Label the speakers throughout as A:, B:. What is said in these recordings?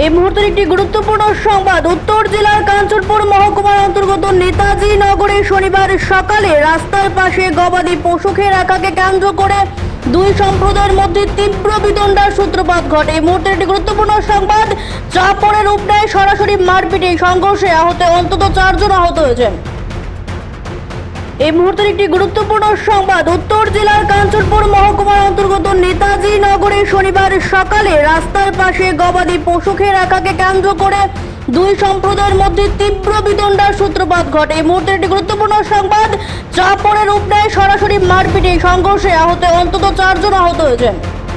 A: এই মুহূর্তের একটি গুরুত্বপূর্ণ সংবাদ। উত্তর জেলার কাঞ্চনপুর মহকুমার অন্তর্গত নেতাজি নগরে শনিবার সকালে রাস্তার পাশে গবাদি পশুকে রাখাকে কেন্দ্র করে দুই সম্প্রদায়ের মধ্যে তীব্র বিতণ্ডার সূত্রপাত ঘটে। এই মুহূর্তের একটি গুরুত্বপূর্ণ সংবাদ। চাপড়ে রূপ নেয় সরাসরি মারপিটে। সংঘর্ষে অন্তত 4 জন আহত হয়েছেন। এই মুহূর্তের একটি গুরুত্বপূর্ণ সংবাদ। উত্তর জেলার কাঞ্চনপুর মহকুমার অন্তর্গত নেতাজি নগরে শনিবার সকালে রাস্তার পাশে গবাদি পশুকে রাখাকে কেন্দ্র করে দুই সম্প্রদায়ের মধ্যে তীব্র বিতণ্ডার সূত্রপাত ঘটে। এই মুহূর্তের একটি গুরুত্বপূর্ণ সংবাদ। চাপড়ে রূপ নেয় সরাসরি মারপিটে। সংঘর্ষে অন্তত 4 জন আহত হয়েছেন।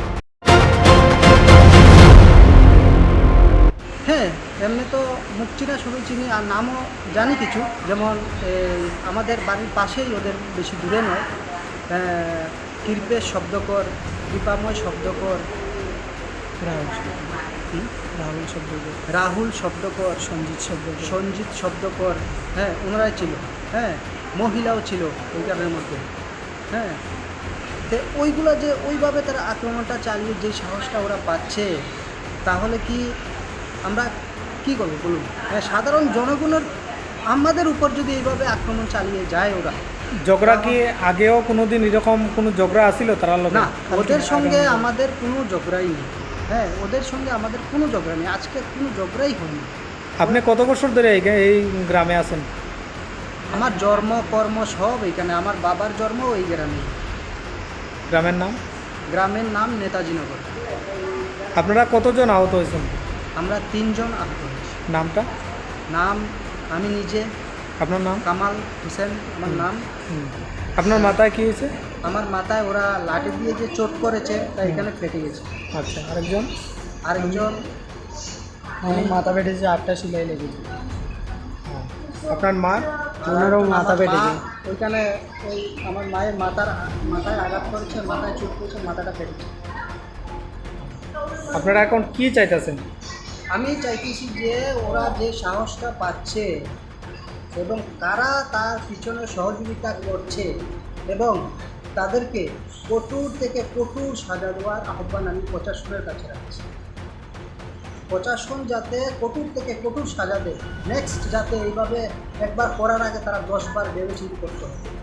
B: হ্যাঁ, এমনি তো মুখ চিনা সবাই চিনি, আর নামও জানি কিছু। যেমন আমাদের বাড়ির পাশেই, ওদের বেশি দূরে নয়, কৃপেশ শব্দকর, দীপাময় শব্দকর, রাহুল শব্দকর, সঞ্জিত শব্দকর, হ্যাঁ ওনারাই ছিল। হ্যাঁ, মহিলাও ছিল ওইখানের মধ্যে। হ্যাঁ, তো ওইগুলো যে ওইভাবে তারা আক্রমণটা চালিয়ে যে সাহসটা ওরা পাচ্ছে, তাহলে কি আমরা কি করবো বলুন? সাধারণ জনগণের আমাদের উপর যদি এইভাবে আক্রমণ চালিয়ে যায় ওরা।
C: ঝগড়া কি আগেও কোনোদিন এরকম কোনো ঝগড়া আসিল তারা?
B: না, ওদের সঙ্গে আমাদের কোনো ঝগড়াই নেই। হ্যাঁ, ওদের সঙ্গে আমাদের কোনো ঝগড়া নেই, আজকে কোনো ঝগড়াই হয়নি।
C: আপনি কত বছর ধরে এই গ্রামে আছেন?
B: আমার জন্ম কর্ম সব এইখানে, আমার বাবার জন্ম ওই গ্রামে।
C: গ্রামের নাম?
B: গ্রামের নাম নেতাজি নগর।
C: আপনারা কতজন আহত হয়েছেন?
B: আমরা 3 জন আহত হয়েছি।
C: নামটা?
B: নাম আমি নিজে।
C: আপনার নাম?
B: কামাল হোসেন আমার নাম।
C: আপনার মাথায় কি হয়েছে?
B: আমার মাথায় ওরা লাঠি দিয়ে যে চোট করেছে, তা এখানে ফেটে গেছে।
C: আচ্ছা, আরেকজন?
B: আমার মাথা ফেটেছে, 8টা সেলাই লেগেছে।
C: আপনার মা?
B: ওনারও মাথা ফেটেছে। ওইখানে ওই আমার মায়ের মাথায় আঘাত করেছে, মাথায় চোট করেছে, মাথাটা ফেটেছে।
C: আপনারা এখন কি চাইতেছেন?
B: আমি চাইতেছি যে ওরা যে সাহসটা পাচ্ছে এবং কারা তার পিছনে সহযোগিতা করছে, এবং তাদেরকে কঠোর থেকে কঠোর সাজা দেওয়ার আহ্বান আমি প্রশাসনের কাছে রাখছি। প্রশাসন যাতে কঠোর থেকে কঠোর সাজা দেয়, নেক্সট যাতে এইভাবে একবার করার আগে তারা 10 বার ভেবেচিন্তে করতে হবে।